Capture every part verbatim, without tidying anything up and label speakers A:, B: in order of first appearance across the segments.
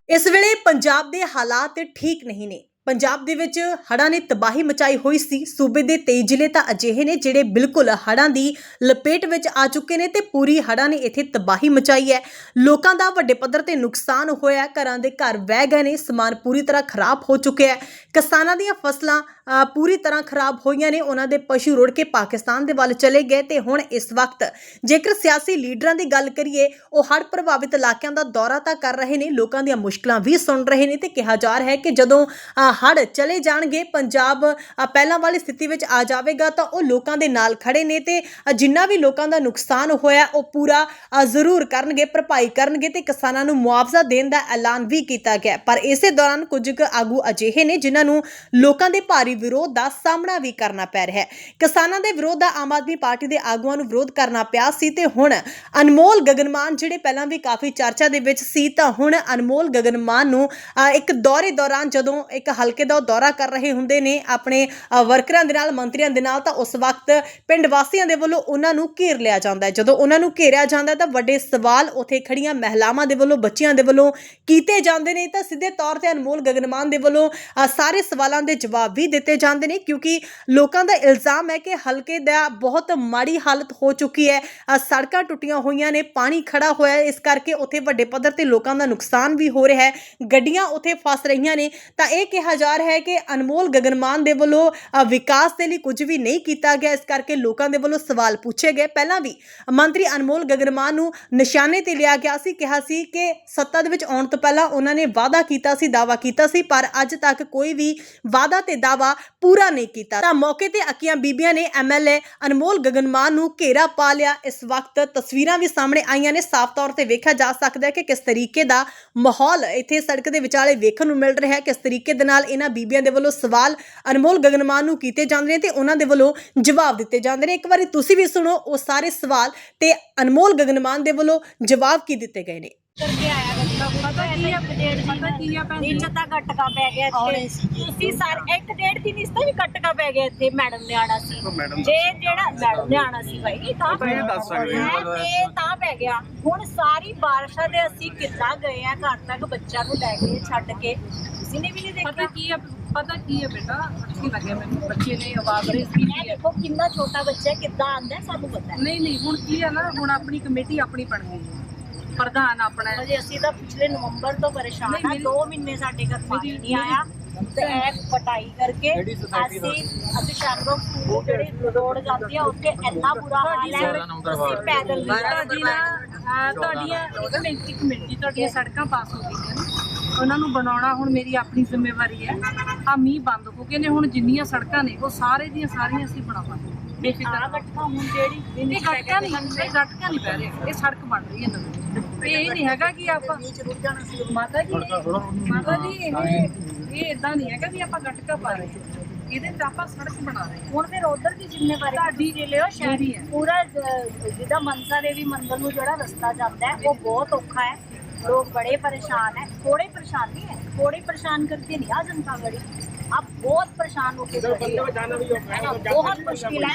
A: इस वेले पंजाब के हालात ठीक नहीं ने। पंजाब दे विच हड़ां ने तबाही मचाई हुई सी। सूबे दे तेई जिले तां अजिहे ने जिहड़े बिल्कुल हड़ां दी लपेट विच आ चुके ने ते पूरी हड़ां ने इत्थे तबाही मचाई है। लोकां दा वड्डे पद्धर ते नुकसान होया है। घरां दे घर वह गए ने, समान पूरी तरह खराब हो चुके है। किसानां दीयां फसलां पूरी तरह खराब होईयां ने। उन्हां दे पशु रुड़ के पाकिस्तान दे वल चले गए ते हुण इस वक्त जेकर सियासी लीडरां दी गल करिए ओह हड़ प्रभावित इलाकिਆਂ ਦਾ दौरा तां कर रहे ने, लोकां दीयां मुश्किलां भी सुन रहे ने ते कहा जा रहा है कि जदों हड़ चले जाणगे, पंजाब पहलां वाली स्थिति विच आ जावेगा तां ओह लोकां दे नाल खड़े ने ते जिन्ना भी लोकां दा नुकसान होया ओह पूरा जरूर करनगे, भरपाई करनगे ते किसानां नूं मुआवजा देण दा ऐलान भी कीता गया। पर इसे दौरान कुछ क आगू अजिहे ने जिन्हां नूं लोकां दे भारी विरोध का सामना भी करना पै रहा है। किसानां दे विरोध दा आम आदमी पार्टी दे आगूआं नूं विरोध करना पिया सी ते हुण अनमोल गगनमान जिहड़े पहलां भी काफ़ी चर्चा दे विच सी तां हुण अनमोल गगनमान नूं एक दौरे दौरान जदों एक हलके दा दौरा कर रहे हुंदे ने अपने वर्करां दे नाल, मंत्रियां दे नाल, तां उस वक्त पिंड वासियां दे वल्लों उन्हां नूं घेर लिया जांदा है। जदों उन्हां नूं घेरिया जांदा तां वड्डे सवाल उत्थे खड़ियां महिलावां दे वल्लों, बच्चियां दे वल्लों कीते जांदे ने तां सीधे तौर ते अनमोल गगनमान दे वल्लों सारे सवालां दे जवाब भी दिते जांदे ने, क्योंकि लोकां दा इल्जाम है कि हलके दा बहुत माड़ी हालत हो चुकी है। सड़कां टुटियां होईयां ने, पानी खड़ा होया, इस करके उत्थे वड्डे पद्धर ते लोकां दा नुकसान भी हो रहा है, गड्डियां उत्थे फस रहीआं ने। तां इह कहा जा रहा है कि अनमोल गगनमान दे वल्लों विकास दे लई कुछ भी नहीं कीता गया, इस करके लोकां दे वल्लों सवाल पूछे गए। पहलां भी मंत्री अनमोल गगनमान नूं निशाने ते लिया गया सी, कहा सी कि सत्ता दे विच आउण तों पहलां उन्हां ने वादा कीता सी, दावा कीता सी, पर अज तक कोई भी वादा ते दावा पूरा नहीं कीता। तां मौके ते अक्कियां बीबियां ने एम एल ए अनमोल गगनमान नूं घेरा पा लिया। इस वक्त तस्वीरां भी सामने आईयां ने, साफ तौर ते वेखिया जा सकदा है कि किस तरीके दा माहौल इत्थे सड़क दे विचाले वेखण नूं मिल रहा है, किस तरीके दे नाल इन्हां बीबियां दे वल्लों सवाल अनमोल गगनमान नूं कीते जांदे ने ते उन्हां दे वल्लों जवाब दिते जांदे ने। एक वारी तुसीं भी सुणो वो सारे सवाल ते अनमोल गगनमान दे वल्लों जवाब की दिते गए ने।
B: करके आया पता की अपडेट पता की नीच ता गटका पै गया इत्थे तुसी सारे एक डेढ़ दिन इस भी गटका पै गया इत्थे मैडम ने आना सी जे जेड़ा मैडम ने आना सी भाई तां ये दस सकदे हैं ते तां पै गया। हुण सारी बारिशां दे ਅਸੀਂ किद्दां गए हैं घर तक बच्चा नूं लैके छड्ड के किसी ने भी नहीं देखा।
C: पता की है पता की है बेटा अच्छी लगे मैंने बच्चे ने आवाज रेस की है।
B: देखो कितना छोटा बच्चा है किद्दां आंदा है सानू पता है।
C: नहीं नहीं हुण की है ना हुण अपनी कमेटी अपनी बन गई है, प्रधान अपना है।
B: अजे ਅਸੀਂ ਤਾਂ पिछले नवंबर तो परेशान है, दो महीने साडे घर पानी नहीं आया ते एक पटाई करके ਅਸੀਂ ਅਸੀਂ ਸ਼ਾਮਰੋਂ ਸਕੂਲ ਜਿਹੜੀ ਰੋਡ ਜਾਂਦੀ ਆ ਉੱਥੇ ਇੰਨਾ ਬੁਰਾ ਹਾਲ ਹੈ ਅਸੀਂ ਪੈਦਲ
C: ਤੁਹਾਡੀ ਨਾ ਤੁਹਾਡੀਆਂ ਕਮੇਟੀ ਕਮੇਟੀ ਤੁਹਾਡੀਆਂ ਸੜਕਾਂ ਪਾਸ ਹੋ ਗਈਆਂ ਨੇ, ਉਹਨਾਂ ਨੂੰ ਬਣਾਉਣਾ ਹੁਣ ਮੇਰੀ ਆਪਣੀ ਜ਼ਿੰਮੇਵਾਰੀ ਹੈ। ਆ ਮੀਂਹ ਬੰਦ ਹੋ ਗਏ ਨੇ, ਹੁਣ ਜਿੰਨੀਆਂ ਸੜਕਾਂ ਨੇ ਉਹ ਸਾਰੇ ਦੀਆਂ ਸਾਰੀਆਂ ਅਸੀਂ ਬਣਾਵਾਂਗੇ ਬੇਫਿਕਰ।
B: ਗਟਕਾ ਹੁਣ ਜਿਹੜੀ
C: ਇਹ ਗਟਕਾ ਨਹੀਂ ਇਹ ਗਟਕਾ ਨਹੀਂ ਪੈ ਰਿਹਾ, ਇਹ ਸੜਕ ਬਣ ਰਹੀ ਹੈ ਨਵੀਂ। ਇਹ ਨਹੀਂ ਹੈਗਾ ਕਿ ਆਪਾਂ ਮਾਤਾ ਜੀ ਮਾਤਾ ਜੀ ਇਹ ਇਹ ਇਦਾਂ ਨਹੀਂ ਹੈਗਾ ਵੀ ਆਪਾਂ ਗਟਕਾ ਪਾ ਰਹੇ ਹਾਂ, ਇਹਦੇ ਤੇ ਆਪਾਂ ਸੜਕ ਬਣਾ ਰਹੇ ਹਾਂ।
B: ਹੁਣ ਫਿਰ ਉਧਰ ਦੀ ਜ਼ਿੰਮੇਵਾਰੀ ਤੁਹਾਡੀ ਜੇ ਲਿਓ ਸ਼ਹਿਰੀ ਹੈ ਪੂਰਾ ਜਿਹਦਾ ਮਨਸਾ ਦੇਵੀ ਮੰਦਿਰ ਨੂੰ ਜਿਹੜਾ ਰਸਤਾ ਜਾਂਦਾ ਹੈ ਉਹ ਬਹੁਤ ਔਖਾ ਹੈ, लोग बड़े परेशान है। थोड़े परेशान नहीं है, थोड़े परेशान करके नहीं आ जनता बड़ी अब बहुत परेशान होके बहुत मुश्किल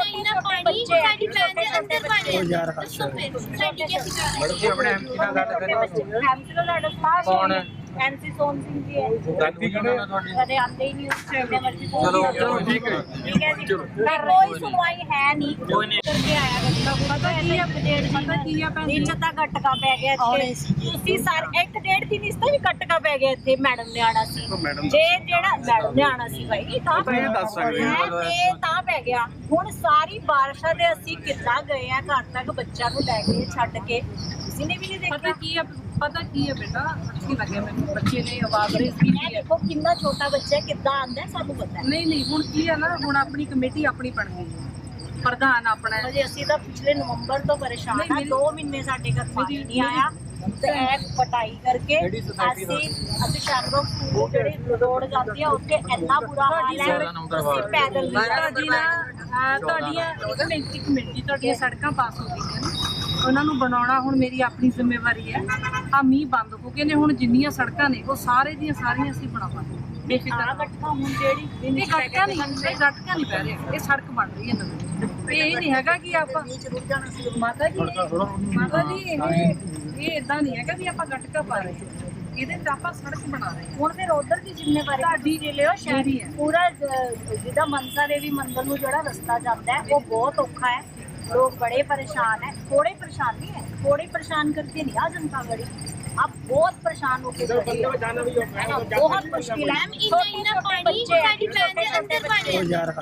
B: है। एमसी सोन सिंह जी है, कदे आते ही नहीं उससे मर्जी ठीक है ठीक है जी, कोई सुनवाई है नहीं करके आया गटका पता की अपडेट पता की नीच ता गटका पै गया इत्थे तुसी सारे एक डेढ़ दिन इस भी गटका पै गया इत्थे मैडम ने आना सी जे जेड़ा मैडम ने आना सी भाई तां ये दस सकदे हैं ते तां पै गया। हुण सारी बारिशां दे ਅਸੀਂ किद्दां गए हैं घर तक बच्चा नूं लैके छड्ड के किसी ने भी नहीं देखा।
C: पता की है पता की है बेटा अच्छी लगे मैंने बच्चे ने आवाज रेस की है।
B: देखो कितना छोटा बच्चा है किद्दां आंदा है सानू पता है।
C: नहीं नहीं हुण की है ना हुण अपनी कमेटी अपनी बन गई है, प्रधान अपना है।
B: अजे ਅਸੀਂ ਤਾਂ पिछले नवंबर तो परेशान है, दो महीने साडे घर पानी नहीं आया ਤੇ ਇੱਕ ਪਟਾਈ ਕਰਕੇ ਅਸੀਂ ਅਸੀਂ ਸ਼ਾਮਰੋਂ ਸਕੂਲ ਜਿਹੜੀ ਰੋਡ ਜਾਂਦੀ ਆ ਉੱਥੇ ਇੰਨਾ ਬੁਰਾ ਹਾਲ ਹੈ ਅਸੀਂ ਪੈਦਲ
C: ਤੁਹਾਡੀ ਨਾ ਤੁਹਾਡੀਆਂ ਕਮੇਟੀ ਕਮੇਟੀ ਤੁਹਾਡੀਆਂ ਸੜਕਾਂ ਪਾਸ ਹੋ ਗਈਆਂ ਨੇ, ਉਹਨਾਂ ਨੂੰ ਬਣਾਉਣਾ ਹੁਣ ਮੇਰੀ ਆਪਣੀ ਜ਼ਿੰਮੇਵਾਰੀ ਹੈ। ਆ ਮੀਂਹ ਬੰਦ ਹੋ ਗਏ ਨੇ, ਹੁਣ ਜਿੰਨੀਆਂ ਸੜਕਾਂ ਨੇ ਉਹ ਸਾਰੇ ਦੀਆਂ ਸਾਰੀਆਂ ਅਸੀਂ ਬਣਾਵਾਂਗੇ ਬੇਫਿਕਰ।
B: ਗਟਕਾ ਹੁਣ ਜਿਹੜੀ
C: ਇਹ ਗਟਕਾ ਨਹੀਂ ਇਹ ਗਟਕਾ ਨਹੀਂ ਪੈ ਰਿਹਾ, ਇਹ ਸੜਕ ਬਣ ਰਹੀ ਹੈ ਨਵੀਂ। ਇਹ ਨਹੀਂ ਹੈਗਾ ਕਿ ਆਪਾਂ ਮਾਤਾ ਜੀ ਮਾਤਾ ਜੀ ਇਹ ਇਹ ਇਦਾਂ ਨਹੀਂ ਹੈਗਾ ਵੀ ਆਪਾਂ ਗਟਕਾ ਪਾ ਰਹੇ ਹਾਂ। ਇਹਦੇ ਤੇ ਆਪਾਂ ਸੜਕ ਬਣਾ ਰਹੇ ਹਾਂ।
B: ਹੁਣ ਫਿਰ ਉਧਰ ਦੀ ਜ਼ਿੰਮੇਵਾਰੀ
C: ਤੁਹਾਡੀ
B: ਤੁਸੀਂ ਲਿਓ
C: ਮੇਰੀ ਹੈ।
B: ਸ਼ਾਇਦ ਪੂਰਾ ਜ- ਜਿੱਦਾਂ ਮਨਸਾ ਦੇਵੀ ਮੰਦਿਰ ਨੂੰ ਜਿਹੜਾ ਰਸਤਾ ਜਾਂਦਾ ਹੈ ਉਹ ਬਹੁਤ ਔਖਾ ਹੈ, ਲੋग बड़े परेशान है, थोड़े परेशान नहीं है, थोड़े परेशाान करके नहीं आ जनता बड़ी, आप बहुत परेशान होके खड़े हो, है ना, बहुत मुश्किल है। छोटे छोटे बच्चे हैं, छोटे छोटे बच्चे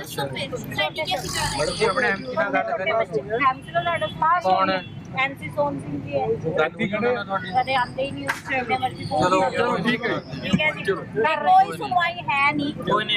D: कौन है?
B: एमसी सोन सिंह जी है,
D: साथी कौन है ਤੁਹਾਡੀ?
B: कदे आते ही नहीं, जितने मर्जी
D: चलो चलो ठीक है
B: ठीक है जी, कोई सुनवाई है नहीं।
D: कोई नहीं